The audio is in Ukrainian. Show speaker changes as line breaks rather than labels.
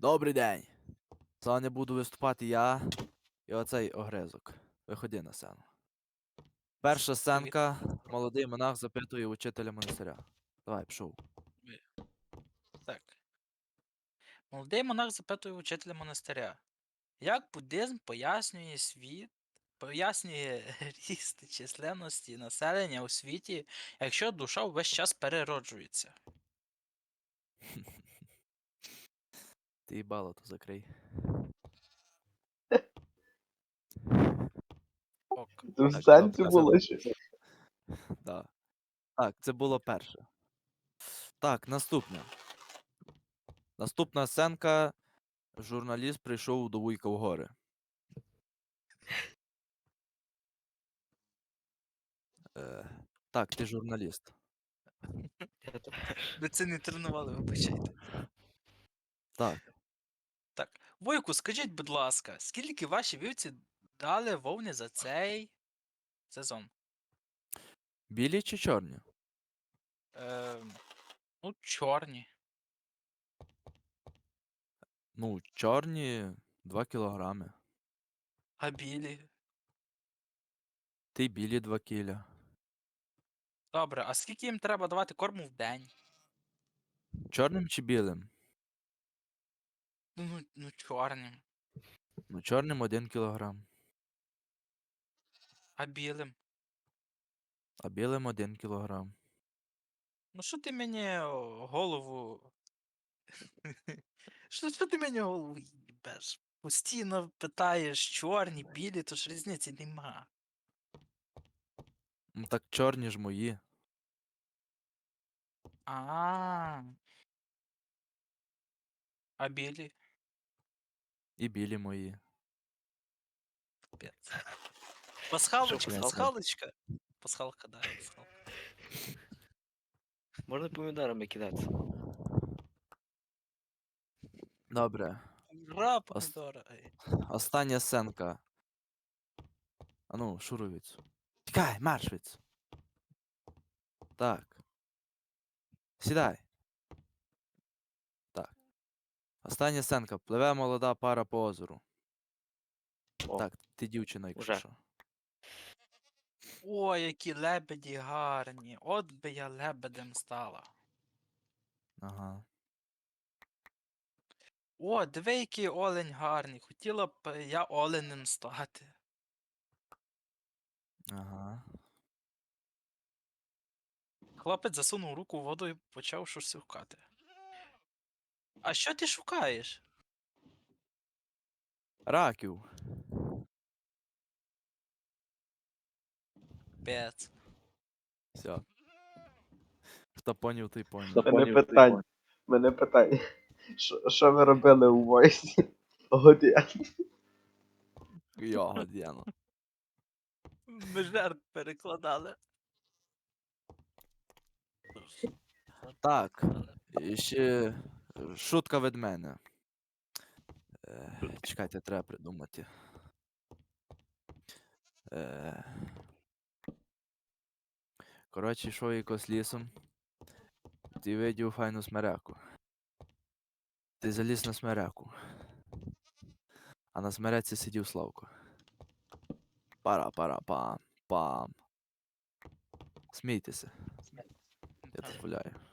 Добрий день. Сьогодні буду виступати я і оцей огризок. Виходи на сцену. Перша сценка. Молодий монах запитує учителя монастиря. Давай, пішов.
Так. Молодий монах запитує учителя монастиря. Як буддизм пояснює ріст численності населення у світі, якщо душа увесь час перероджується?
Ти їбало то закрий.
Ок.
Це в
Так,
сенсі
добре,
було ще.
да. Так, це було перше. Так, наступне. Наступна сценка. Журналіст прийшов до Вуйка в гори. Так, ти журналіст.
Ви це не тренували, вибачайте.
Так.
Так. Войку, скажіть, будь ласка, скільки ваші вівці дали вовни за цей сезон?
Білі чи чорні?
Ну, чорні.
Ну, чорні 2 кілограми.
А білі?
Ти білі 2 кіля.
Добре, а скільки їм треба давати корму в день?
Чорним чи білим?
Ну чорним.
Ну, чорним 1 кілограм.
А білим?
А білим 1 кілограм.
Ну що ти мені голову. Що ти мені голову їбеш? Постійно питаєш чорні, білі, то ж різниці нема.
Ну так чорні ж мої.
А. А білі?
І білі мої.
Пец. Пасхалочка,
Що,
пасхалочка. Пасхалка, да, пасхалка.
Можна помідорами кидатися.
Добре.
Ура, помідора. Ей.
Остання сценка. Ану, шуруй. Тікай, марш від. Так. Сідай. Так. Остання сценка. Пливе молода пара по озеру.
О,
Так, ти дівчина, якщо
уже.
що.
О, які лебеді гарні. От би я лебедем стала.
Ага.
О, диви, який олень гарний. Хотіла б я оленем стати.
Ага.
Хлопець засунув руку в воду і почав щось шукати. А що ти шукаєш?
Раків.
Пец.
Все. Хто поняв, той поняв.
Мене питань. Що ви робили у войсі? Годя.
Його, Діано.
Ми жертв перекладали.
Так. І ще шутка від мене. Чекайте, треба придумати. Коротше, йшов якось лісом. Ти видів файну смеряку. Ти заліз на смеряку. А на смереці сидів Славко. Пара-пара-пам. Пам. Смійтеся. Я дозволяю.